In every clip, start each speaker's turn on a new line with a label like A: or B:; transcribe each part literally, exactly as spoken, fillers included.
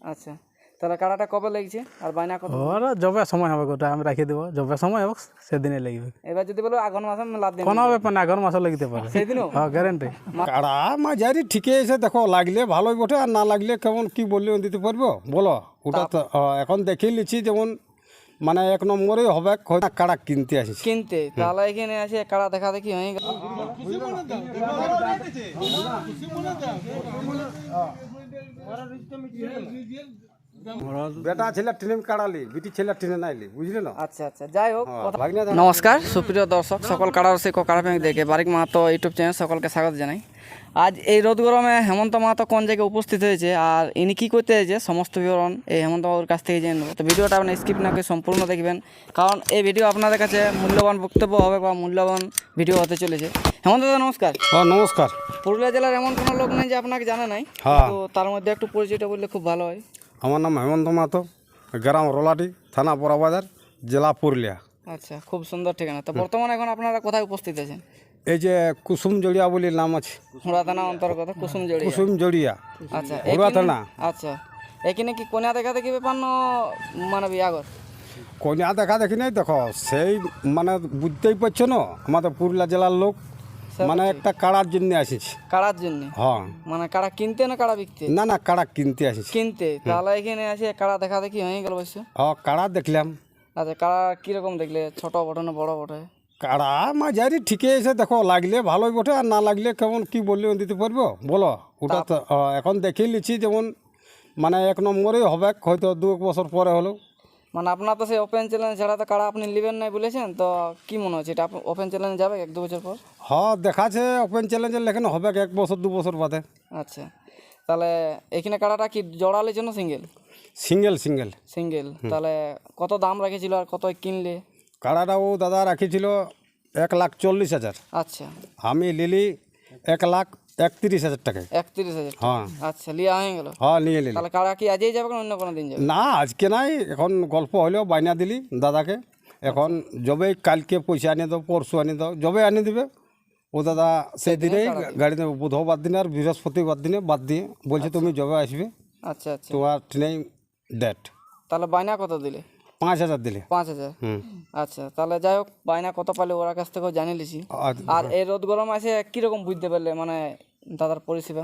A: আচ্ছা, তাহলে কাড়াটা কবে লেগেছে আর বায়না কত?
B: ওরা যবে সময় হবে গোটা আমি রাখি দেবো, যবে সময় হোক সেদিনে লাগবে।
A: এবার যদি বলো আগুন মাসে লাভ দিন,
B: কোনো ব্যাপার না, আগের মাসও লাগতে পারে,
A: সেদিনও
B: হ্যাঁ গ্যারেন্টি।
C: কাড়া মাঝারি ঠিকই আছে, দেখো লাগলে ভালোই বটে, আর না লাগলে কেমন কি বললে দিতে পারবো বলো। ওটা তো আহ, এখন দেখে নিচ্ছি যেমন মানে এক নম্বরেই হবে, হয়তো কাড়া কিনতে আসিস।
A: কিনতে, তাহলে এখানে আসে কাড়া দেখা দেখি হয়ে গেল।
C: বেটা ছেলে ট্রেনে কাড়ালি, বিটি ছেলে ট্রেনে নাইলি, বুঝলি না?
A: আচ্ছা আচ্ছা, যাই হোক, কথা-
C: ভাগনা
A: নমস্কার সুপ্রিয় দর্শক, সকল কাড়া রসিক ও কাড়া প্রেমিক দেখে বারিক মাহাতো ইউটিউব চ্যানেল সকলকে স্বাগত জানাই। আজ এই রোদ গরমে হেমন্ত মাহাতো কোন জায়গায় উপস্থিত হয়েছে আর ইনি কী করতে হয়েছে সমস্ত বিবরণ এই হেমন্ত বাবুর কাছ থেকে জেনে নেব। তো ভিডিওটা আপনি স্কিপ না করে সম্পূর্ণ দেখবেন, কারণ এই ভিডিও আপনাদের কাছে মূল্যবান বক্তব্য হবে বা মূল্যবান ভিডিও হতে চলেছে। হেমন্ত দাদা নমস্কার।
C: হ্যাঁ নমস্কার।
A: পুরুলিয়া জেলার এমন কোনো লোক নেই যে আপনাকে জানা নাই,
C: হ্যাঁ।
A: তো তার মধ্যে একটু পরিচয়টা বললে খুব ভালো হয়।
C: আমার নাম হেমন্ত মাহাতো, গ্রাম রোলাটি, থানা বড়বাজার, জেলা পুরুলিয়া।
A: আচ্ছা, খুব সুন্দর ঠিকানা। তো বর্তমানে এখন আপনারা কোথায় উপস্থিত আছেন?
C: এই যে কুসুম জড়িয়া বলে নাম আছে,
A: হুড়া থানা অন্তর্গত কুসুম জড়ি।
C: কুসুম জড়িয়া
A: আচ্ছা,
C: হুড়া
A: এখানে-
C: থানা।
A: আচ্ছা, এখানে কি কন্যা দেখা দেখি ব্যাপার না মানে বিয়াগর?
C: কন্যা দেখা দেখি নাই, দেখো সেই মানে বুঝতেই পারছো না, আমাদের পুরুলিয়া জেলার লোক মানে একটা কাড়ার জন্য আসিস।
A: কাড়ার জন্য?
C: হ্যাঁ,
A: মানে কাড়া কিনতে না কাড়া বিকতে?
C: না না কাড়া কিনতে আসিস।
A: কিনতে, তাহলে এখানে আসে কাড়া দেখা দেখি হয়ে গেল অবশ্য।
C: হ্যাঁ কাড়া দেখলাম।
A: আচ্ছা, কাড়া কিরকম দেখলে? ছোট বটে না বড় বটে?
C: কাড়া মাঝারি ঠিকই আছে, দেখো লাগলে ভালোই বটে, আর না লাগলে কেমন কি বললে দিতে পারবো বলো। ওটা তো আহ, এখন দেখে নিচ্ছি যেমন মানে এক নম্বরেই হবে, হয়তো দু এক বছর পরে হলো।
A: মানে আপনার তো সেই ওপেন চ্যালেঞ্জ ছাড়া তো কাড়া আপনি নেবেন নাই বলেছেন, তো কি মনে হচ্ছে এটা ওপেন চ্যালেঞ্জ যাবে এক দু বছর পর?
C: হ্যাঁ দেখাচ্ছে ওপেন চ্যালেঞ্জের লেখেন হবে এক বছর দু বছর বাদে।
A: আচ্ছা, তাহলে এখানে কাড়াটা কি জোড়ালের জন্য সিঙ্গেল?
C: সিঙ্গেল সিঙ্গেল
A: সিঙ্গেল, তাহলে কত দাম রেখেছিল আর কত কিনলে?
C: কাড়াটা ও দাদা রাখিছিল এক লাখ চল্লিশ হাজার,
A: আচ্ছা,
C: আমি লিলি এক লাখ একত্রিশ হাজার টাকায়।
A: একত্রিশ হাজার
C: হ্যাঁ
A: আচ্ছা, লিয়া হয়ে গেল।
C: হ্যাঁ নিয়ে নিলি।
A: তাহলে কাড়া কি আজই যাবে না অন্য কোনো দিন যাবে?
C: না আজকে নাই, এখন গল্প হলেও বাইনা দিলি দাদাকে, এখন যবে কালকে পয়সা আনিয়ে দাও, পরশু আনিয়ে দাও, যবে আনিয়ে দিবে ও দাদা সেই দিনেই গাড়ি দেবে। বুধবার দিনে আর বৃহস্পতিবার দিনে বাদ দিয়ে বলছে তুমি যবে আসবে
A: আচ্ছা আচ্ছা,
C: তোমার ট্রেনেই ডেট।
A: তাহলে বায়না কত দিলে?
C: পাঁচ হাজার দিলে।
A: পাঁচ হাজার
C: হুম।
A: আচ্ছা, তাহলে যাই হোক, বায়না কত পালে ওরা কাছ থেকেও জানিয়ে লিছি।
C: আর-
A: আর এই রোদ গরম আছে কীরকম বুঝতে পারলে মানে দাদার পরিষেবা?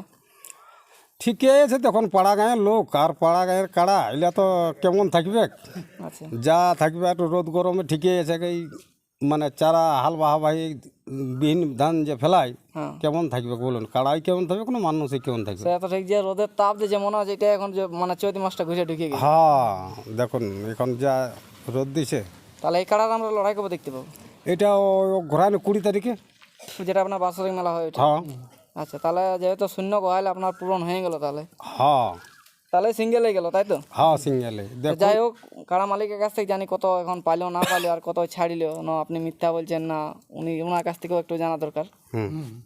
C: ঠিকই আছে, তখন পাড়া গাঁয়ের লোক আর পাড়া গাঁয়ের কাড়া এগুলা তো কেমন থাকবে,
A: আচ্ছা
C: যা থাকবে একটু রোদ গরমে ঠিকই আছে। এই মানে চারা হাল বাহাবাহি বিহীন ধান যে ফেলায়
A: হ্যাঁ,
C: কেমন থাকবে বলুন, কাড়াই কেমন থাকবে, কোনো মানুষই কেমন থাকবে।
A: সেটা তো ঠিক, যে রোদের তাপ দিয়ে যে মনে হচ্ছে এটা এখন যে মানে চৈতি মাসটা ঘুরে ঢুকে গেছে।
C: হ্যাঁ দেখুন এখন যা রোদ দিছে।
A: তাহলে এই কাড়ার আমরা লড়াই কবে দেখতে পাবো?
C: এটা ঘোরানো কুড়ি তারিখে।
A: যেটা আপনার বাৎসরিক মেলা হয় ওইটা?
C: হ্যাঁ
A: আচ্ছা, তাহলে যেহেতু শূন্য গহাইলে আপনার পূরণ হয়ে গেল, তাহলে
C: হ্যাঁ
A: তাহলে সিঙ্গেল হয়ে গেল, তাই তো?
C: হ্যাঁ সিঙ্গেলে
A: তো
C: দেখো।
A: যাই হোক, কাড়া মালিকের কাছ থেকে জানি কত এখন পাইলেও না পাইলেও আর কত ছাড়িলেও না, আপনি মিথ্যা বলছেন না, উনি ওনার কাছ থেকেও একটু জানা দরকার।
C: হুম।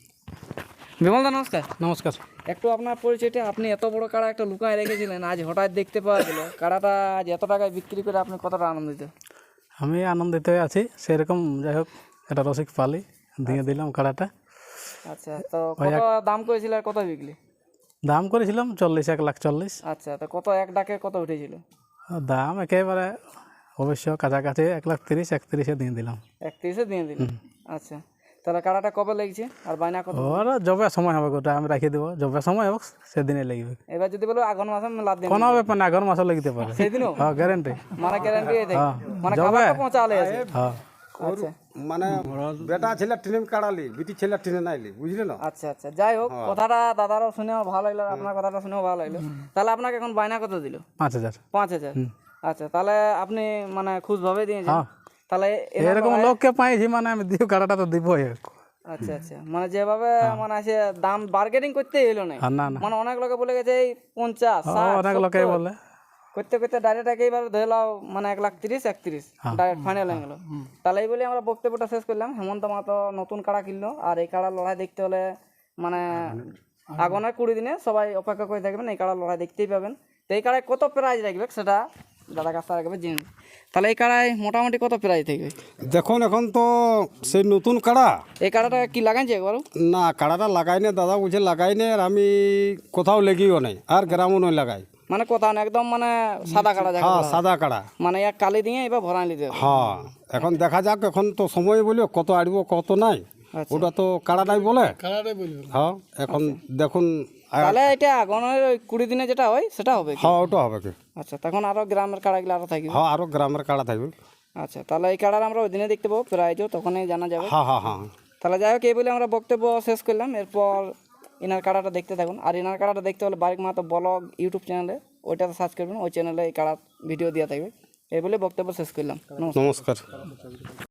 A: বিমল দা নমস্কার।
B: নমস্কার।
A: একটু আপনার পরিচয়টা, আপনি এত বড় কাড়া একটা লুকায় রেখেছিলেন, আজ হঠাৎ দেখতে পাওয়া গেল, কাড়াটা আজ এত টাকায় বিক্রি করে আপনি কতটা আনন্দিত?
B: আমি আনন্দিত আছি সেরকম, যাই হোক এটা রসিক পালি দিয়ে দিলাম কাড়াটা।
A: আচ্ছা, তো কত দাম করেছিল আর কত বিকলি?
B: দাম করেছিলাম চল্লিশ, এক লাখ চল্লিশ।
A: আচ্ছা, তো কত এক ডাকে কত উঠেছিল?
B: আর দাম একেবারে অবশ্য কাছাকাছি এক লাখ তিরিশ, একত্রিশে দিয়ে দিলাম।
A: একত্রিশে দিয়ে দিল। আচ্ছা, তাহলে কাড়াটা কবে লেগেছে আর বায়না কত?
B: ওরা যবে সময় হবে গোটা আমি রাখি দেবো, যবে সময় হোক সেদিনে লাগবে।
A: এবার যদি বলো আগুন মাসে লাভ দিন,
B: কোনো ব্যাপার না, আগের মাসও লাগতে পারে,
A: সেদিনও
B: হ্যাঁ গ্যারেন্টি।
A: মানে গ্যারান্টি থাকে,
B: হ্যাঁ
A: মানে
B: যবে
A: খাবার তো পৌঁছালে আছে।
B: হ্যাঁ
A: আচ্ছা
C: মানে বেটা ছেলে ট্রেনে কাড়ালি, বিটি ছেলে ট্রেনে নাইলি, বুঝলি না?
A: আচ্ছা আচ্ছা, যাই হোক, কথাটা দাদারও শুনেও ভালো লাগলো, আর আপনার কথাটা শুনেও ভালো লাগলো। তাহলে আপনাকে এখন বায়না কত দিল?
B: পাঁচ হাজার।
A: পাঁচ হাজার আচ্ছা, তাহলে আপনি মানে খুশভাবে দিয়েছেন।
B: হ্যাঁ।
A: তাহলে এনার
B: এরকম
A: লড়াই-
B: লোককে পাইছি মানে আমি দিব, কাড়াটা তো দিবই।
A: আচ্ছা আচ্ছা, মানে যেভাবে মানে আছে দাম বার্গেনিং করতে এলো না,
B: আর না না,
A: মানে অনেক লোকে বলে গেছে এই পঞ্চাশ
B: ও,
A: ষাট
B: অনেক লোকে
A: সত্তর।
B: বলে।
A: করতে করতে ডাইরেক্ট একেবারে ধরে লাও মানে এক লাখ তিরিশ একত্রিশ ডাইরেক্ট ফাইনাল হয়ে গেল। তাহলে এই বলে আমরা বক্তব্যটা শেষ করলাম। হেমন্ত মাহাতো নতুন কাড়া কিনলো, আর এই কাড়ার লড়াই দেখতে হলে মানে আগামী কুড়ি দিনে সবাই অপেক্ষা করে থাকবেন, এই কাড়ার লড়াই দেখতেই পাবেন। তো এই কাড়ায় কত প্রাইজ রাখবে সেটা দাদা কাছ থেকে রাখবে জেনে। তাহলে এই কাড়ায় মোটামুটি কত প্রাইজ থাকবে?
C: দেখুন এখন তো সেই নতুন কাড়া,
A: এই কাড়াটা কি লাগাইছে একবারও?
C: না কাড়াটা লাগাই না দাদা, বলছে লাগাই না, আর আমি কোথাও লেগেও নাই, আর গ্রামও নয় লাগাই।
A: মানে কথা না একদম মানে সাদা কাটা যাকে
C: হ্যাঁ
A: বলা হয়।
C: সাদা কাড়া
A: মানে এক কালি দিয়ে এবার ভরাই নিতে হবে।
C: হ্যাঁ এখন দেখা যাক এখন তো সময় বলিও কত আড়ব কত নাই
A: আচ্ছা।
C: ওটা তো কাড়াটাই বলে হ্যাঁ এখন দেখুন আ-
A: তাহলে এটা আগুনের ওই কুড়ি দিনে যেটা হয় সেটা হবে কি?
C: হ্যাঁ ওটা হবে কি
A: আচ্ছা তখন আরো গ্রামের কাড়াগুলো আরো থাকবে।
C: হ্যাঁ আরো গ্রামের কাড়া থাকবে
A: আচ্ছা তাহলে এই কাড়ার আমরা ওই দিনে দেখতে পাবো প্রাইজও তখনই জানা যাবে।
C: হ্যাঁ হ্যাঁ হ্যাঁ
A: তাহলে যাই হোক এই বলে আমরা বক্তব্য শেষ করলাম। এরপর ইনার কাড়াটা দেখতে থাকুন। আর ইনার কাড়াটা দেখতে হলে বারিক মাহাতো ব্লগ ইউটিউব চ্যানেলে ওইটাতে সার্চ করবেন, ওই চ্যানেলে এই কাড়ার ভিডিও দেওয়া থাকবে। এই বলে বক্তব্য শেষ করলাম। নমস্কার।
C: নমস্কার